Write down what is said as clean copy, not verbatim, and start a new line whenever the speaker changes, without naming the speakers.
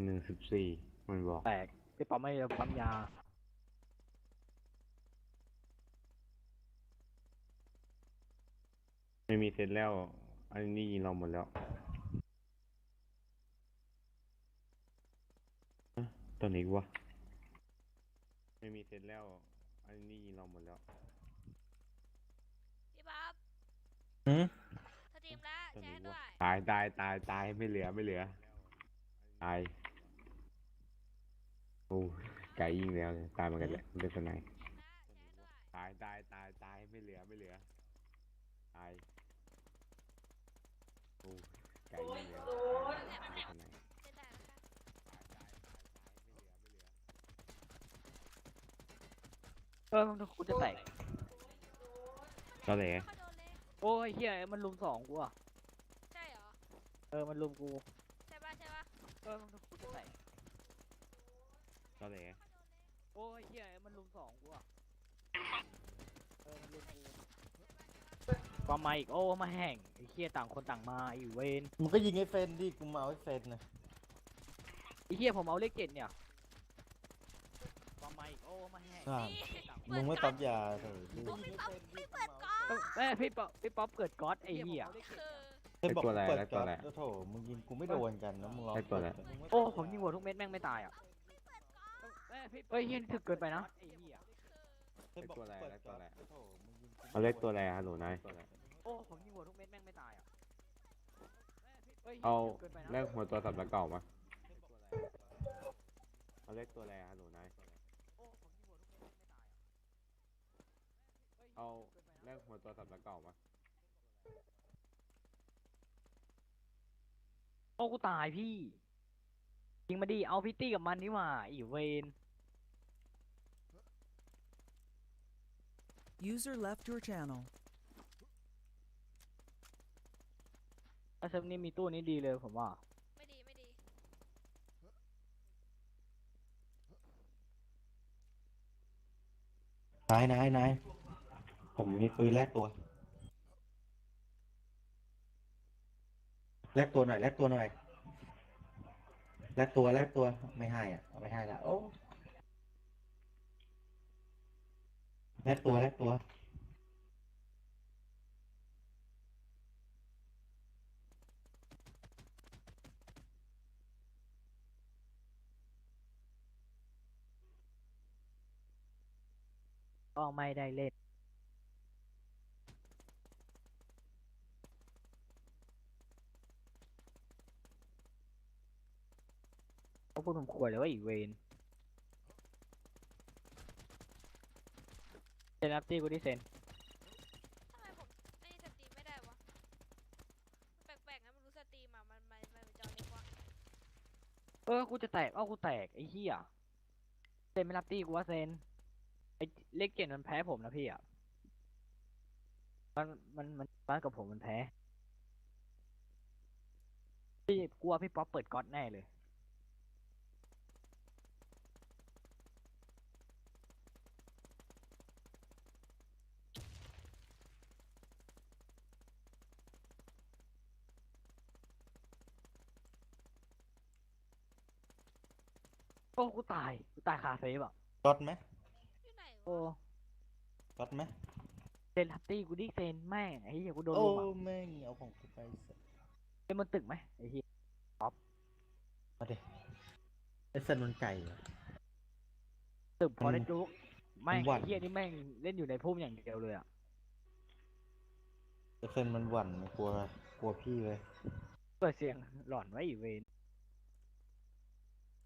114มันบอก
แตกพี่ป๊อปไม่ปั๊มยา
ไม่มีเซตแล้วอันนี้ยิงเราหมดแล้วตอนไหนวะไม่มีเซตแล้วอันนี้ยิงเราหมดแล้ว
พี่บ๊อบ
หืม
สตรีมแล้ว
ตอนไหน
แชร์ด้
วะ
วย
ตายไม่เหลือตายโอ้ไก่ยิงแล้วตายเหมือนกันแหละมันเป็นสไนป์
แชร์ด้วย
ตายไม่เหลือตายโอ้ไก่ยิงแล้วตายเป็นสไนป์
เล่นได้แล้วกัน
กูจะแตก
ตอนไหน
ไม่ค่อยโดนเลย
โอ้ยเฮียมันลุมสองกูอ่ะ
ใช่เหรอ
มันลุมกู
ใช่ปะ
กูจะแตก
ตอนไหน
โอ้ยเฮียมันลุมสองกูอ่ะมันลุมกูก็มาอีกโอ้มาแห่งไอ้เฮียต่างคนต่างมาอีเวน
มึงก็ยิงไอ้เฟนดิกูมาเอาไอ้เฟนนะ
ไอ้เฮียผมเอาเลข7เนี่ยก็มาอีกโอ้มาแห่ง
อ่า
นี่
มึงไม่ปั๊มยาเถอะ
โอ้พี่ป๊อปไม่เปิดก่อน
พี่ป๊อปเกิดก๊อตไอ้เฮีย
คือ
เฮ้ยบอกกูเปิดก๊อตโอ้โถมึงยิงกูไม่โดนกันนะมึงลอง
โอ้ผมยิงหัวทุกเม็ดแม่งไม่ตายอ่ะเฮ้ยเฮียถึกเกินไปนะไอ้เฮีย
เฮ้ยบอกกูเปิดก๊อตโอ้โถมึงยิงกู
เอาเลขตัวอะไรฮัลโหลนาย
โอ้ผมยิงหัวทุกเม็ดแม่งไม่ตายอ่ะ
เอาเลขหัวตัวสับแล้วเก่ามาเอาเลขตัวอะไรฮัลโหลนายเอาเลขหัวตัวสับแล้วเก่ามา
โอ้กูตายพี่ยิงมาดิเอาพิตตี้กับมันนี่หว่าอีเวน
User left your channel.
ถ้าเซิร์ฟนี้มีตู้นี้ดีเลยผมว่า
ไม่ดี
นายผมมีปืนแลกตัวแลกตัวหน่อยไม่ให้อ่ะไม่ให้ละโอ้แลกตัว
ก็ไม่ได้เล่นเขาพูดผมขวยเลยว่าอีเวนเซนอัพตี้กูดิเซน
ทำไมผมไม่สตรีมไม่ได้วะแปลกๆนะมันรู้สตรีมอ่ะมันเป็นจอเล็กวะ
กูจะแตกกูแตกไอ้เหี้ยเซนไม่รับตี้กูว่าเซนไอ้เลข7มันแพ้ผมนะพี่อ่ะมันบ้านกับผมมันแพ้พี่กลัวพี่ป๊อปเปิดก๊อตแน่เลยโอ้กูตายคาเฟ่แบบ
ก๊อตไหม
อยู่ไหน
โอ้
วะ
ก๊อตไหม
เซนรับตี้กูดิเซนแม่งไอ้เหี้ยกูโดน
โอ้
ลุมอ่ะ
แม่งเอาของกูไปสัส
เป็นมันตึกไหมไอ้เหี้ย
มาดิไอ้เซนมันไก่เหรอ
ตึกพอได้จุกแม่ง
มันหวั่น
ไอ้เหี้ยนี่แม่งเล่นอยู่ในพุ่มอย่างเดียวเลยอ่ะ
ไอ้เซนมันหวั่นกลัวพี่เลย
เปิดเสียงหลอนไว้อีเวน